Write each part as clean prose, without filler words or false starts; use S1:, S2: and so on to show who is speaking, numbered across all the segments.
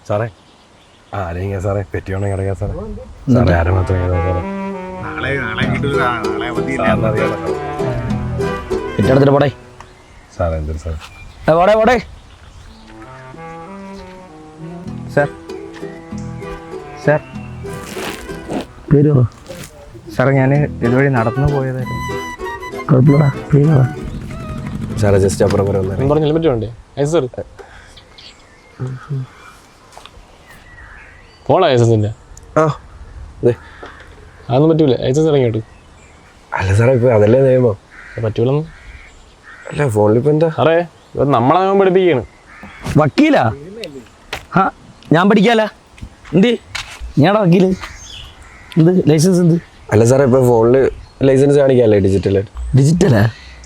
S1: സാറേ ആരെങ്കിലും സാറേ പെറ്റിയോണെ കിടക്കാം സാറേ സാറേ ആരും മാത്രം
S2: പെറ്റെടുത്തിട്ട് പോടേ
S1: സാറേ എന്തൊരു സാറേ
S2: പോടേ പോടേ
S3: സാർ സാർ
S2: പേര്
S3: സാറേ ഞാൻ ഇതുവഴി നടന്നു പോയതായിരുന്നു.
S2: കുഴപ്പമില്ലടാ പേര്
S1: സാറേ ജസ്റ്റ് അപ്പുറം വരെ വന്നേ
S4: പറഞ്ഞ ഹെൽമെറ്റ് വേണ്ടേ സാർ പോണോ ലൈസൻസിൻ്റെ
S1: ആ അതെ
S4: അതൊന്നും പറ്റൂല. ലൈസൻസ് ഇറങ്ങിയിട്ട്
S1: അല്ല സാറേ ഇപ്പൊ അതല്ലേ നിയമം.
S4: പറ്റൂലെന്ന്
S1: അല്ല ഫോണിലിപ്പോ എന്താ
S4: സാറേ ഇത് നമ്മളെ നിയമം പഠിപ്പിക്കുകയാണ്.
S2: വക്കീലാ? ആ ഞാൻ പഠിക്കാല എന്ത് ഞാടാ വക്കീല് എന്ത് ലൈസൻസ് എന്ത്?
S1: അല്ല സാറേ ഇപ്പൊ ഫോണില് ലൈസൻസ് കാണിക്കാല്ലേ ഡിജിറ്റലായിട്ട്.
S2: ഡിജിറ്റലാ?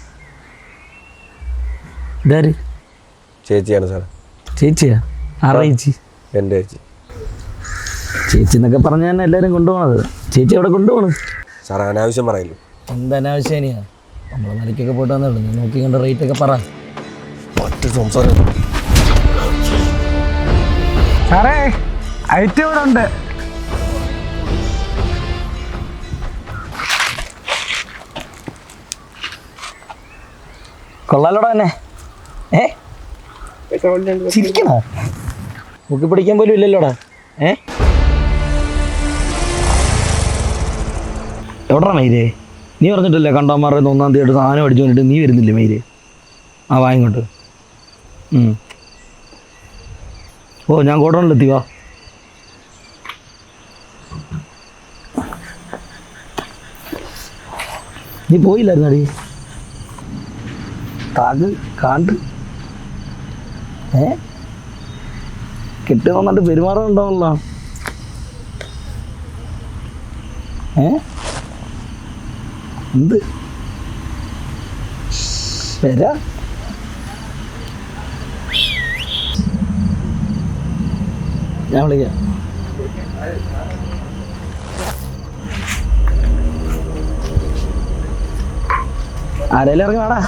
S2: ഇതാര്?
S1: ചേച്ചിയാണ് സാറേ.
S2: ചേച്ചിയാ? ആരാ ചേച്ചി?
S1: എൻ്റെ ചേച്ചി.
S2: ചേച്ചി എന്നൊക്കെ പറഞ്ഞാൽ തന്നെ എല്ലാവരും കൊണ്ടുപോകണത്. ചേച്ചി എവിടെ കൊണ്ടുപോകണം
S1: സാറേ? അനാവശ്യം പറയില്ല.
S2: എന്തനാവശ്യം തന്നെയാ? നമ്മൾ മലയ്ക്കൊക്കെ പോയിട്ട് വന്നുള്ളൂ. നീ നോക്കി കണ്ട റേറ്റ് ഒക്കെ പറ.
S1: ഒറ്റ സംസാരം.
S3: സാറേ ഐറ്റം ഇവിടെ ഉണ്ട്.
S2: കൊള്ളാലോടാ തന്നെ. ചിരിക്കണോ? മുക്കി പിടിക്കാൻ പോലും ഇല്ലല്ലോടാ. എവിടാ മയിലേ? നീ പറഞ്ഞിട്ടില്ലേ കണ്ടാമാരുടെ 1-ാം തീയതി സാധനം അടിച്ചു കൊണ്ടിട്ട് നീ വരുന്നില്ലേ മയില്? ആ വാങ്ങിക്കോട്ട്. ഓ ഞാൻ ഗോഡൗണിലെത്തി. വാ. നീ പോയില്ലായിരുന്നടി? താഗ് കാണ്ട് കെട്ടി വന്നിട്ട് പെരുമാറുന്നുണ്ടാവല്ലോ. എന്ത് വരാ? ഞാൻ വിളിക്കാം. ആരേലും ഇറങ്ങി വേടാ.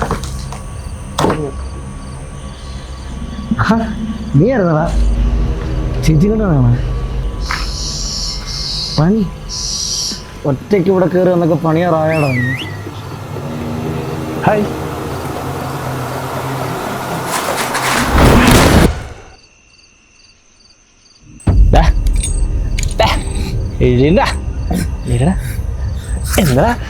S2: നീ ആയിരുന്നടാ? ചേച്ചി കൊണ്ടാണ് പണി. ഒറ്റയ്ക്ക് ഇവിടെ കയറി വന്നൊക്കെ പണിയാറായടാ. ഹായ്. എന്താ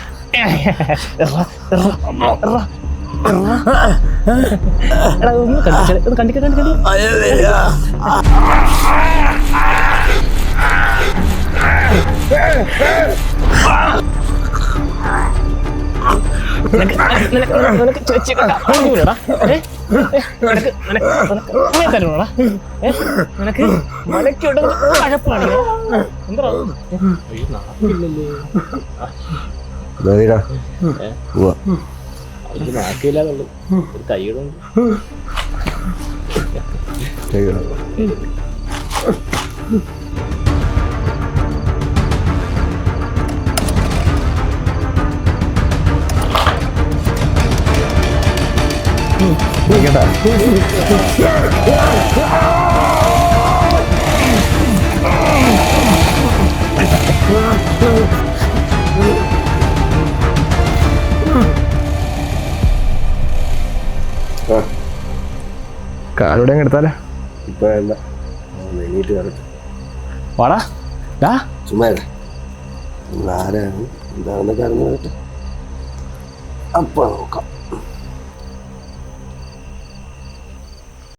S4: നാക്കില്ലാതുള്ളു ഒരു കൈയിടുണ്ട്.
S3: കാലൂടെ എടുത്താലേ?
S1: ഇപ്പൊ വേണ്ട, എണീറ്റ് കറക്റ്റ്
S2: വാടാ.
S1: ചുമ്മാ ആരാണ് എന്താണെന്നൊക്കെ അറിഞ്ഞു കേട്ടോ. അപ്പൊ നോക്കാം.